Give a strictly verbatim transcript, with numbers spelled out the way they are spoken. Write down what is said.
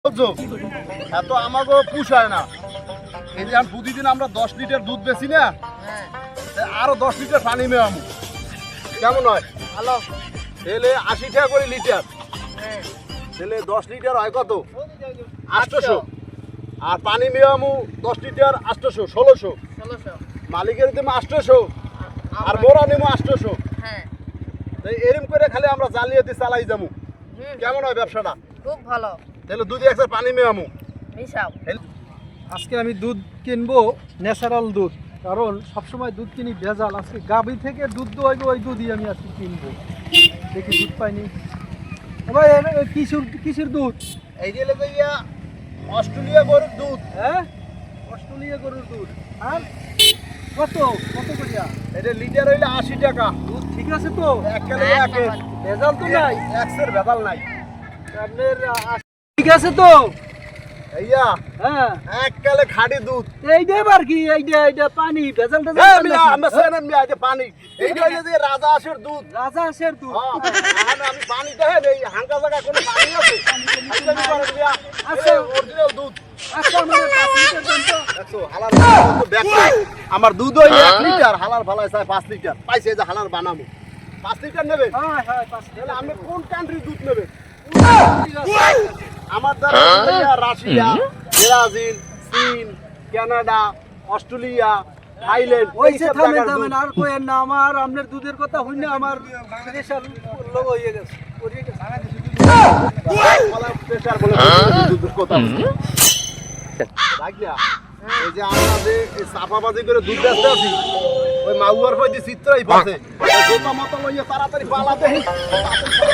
এত আমাকে পুষায় না। এই যে প্রতিদিন আমরা দশ লিটার দুধ বেশি না, আরো দশ লিটার পানি মেয়ে আমু কেমন হয়? ভালো। তাহলে আশি টাকা করে লিটার, তাহলে দশ লিটার হয় কত? আটশোশো। আর পানি মেয়ে আমু দশ লিটার আটশোশো, ষোলোশো। মালিকের দেবো আটশোশো আর মোরা নেবো আটশোশো। এরম করে খালি আমরা জালিয়াতি চালাই যাবো, কেমন হয় ব্যবসাটা? খুব ভালো। তাহলে দুধ একসাথে পানি মেয়ে আমু। আজকে আমি দুধ কিনবো ন্যাচারাল দুধ, কারণ সবসময় দুধ কিনি ভেজাল। আজকে গাভী থেকে দুধ দোয়াইবো, ওই দুধই আমি আজকে কিনবো। দেখি দুধ পাইনি। ভাই কিশোর কিশোর দুধ, এই যে ইয়া অস্ট্রেলিয়া গরুর দুধ। হ্যাঁ অস্ট্রেলিয়া গরুর দুধ। আর কত কত করিয়া? এটা লিটার হইলে আশি টাকা। দুধ ঠিক আছে তো? এক কেলে একের ভেজাল তো নাই? একশের ভেজাল নাই। আপনার আশি ঠিক আছে তো? এইয়া হ্যাঁ এক কেলে খাঁটি দুধ। এইটা আর কি, এইটা এইটা পানি ভেজাল হ্যাঁ ভেজাল মিয়া, আমরা সেনেন মিয়া, এটা পানি। এইটা হইলে যে রাজা হাঁসের দুধ। রাজা হাঁসের দুধ। হ্যাঁ, এখন আমি পানি দেখেন এই হাঙ্গা জায়গায় কোনো পানি আছে? হাঙ্গামি করেন মিয়া। আচ্ছা। এই অরিজিনাল দুধ। আচ্ছা আমার পাঁচ লিটার দেন তো। দেখছো, হালার বানাবো তো দেখছো। আমার দুধ হইলে এক লিটার, হালার ভালাই চাই পাঁচ লিটার। পাইছে এই যে হালার বানাবো। পাঁচ লিটার নেবে? হ্যাঁ হ্যাঁ পাঁচ তাহলে লিটার। আমি কোন কান্ট্রির দুধ নেবে? ঠিক আছে। আমার দ্বারা অস্ট্রেলিয়া, রাশিয়া, ব্রাজিল, চীন, কানাডা, অস্ট্রেলিয়া, থাইল্যান্ড, ওইসে এইসব থামেন জায়গার থামেন, দুধ। আর কোয়েন না। আমার আপনার দুধের কথা হইনা আমার প্রেশার লো হয়ে গেছে, পড়িয়ে গেছে। বলা pressure বলে দুধের কথা বলছে। রাখলা, এই যে আমরা যে এই চাপাবাজি করে দুধ বেচতে আছি, ওই মাউয়ার পয়দি চিত্রই পাশে জোতা মতো লইয়া তাড়াতাড়ি পালা দেই।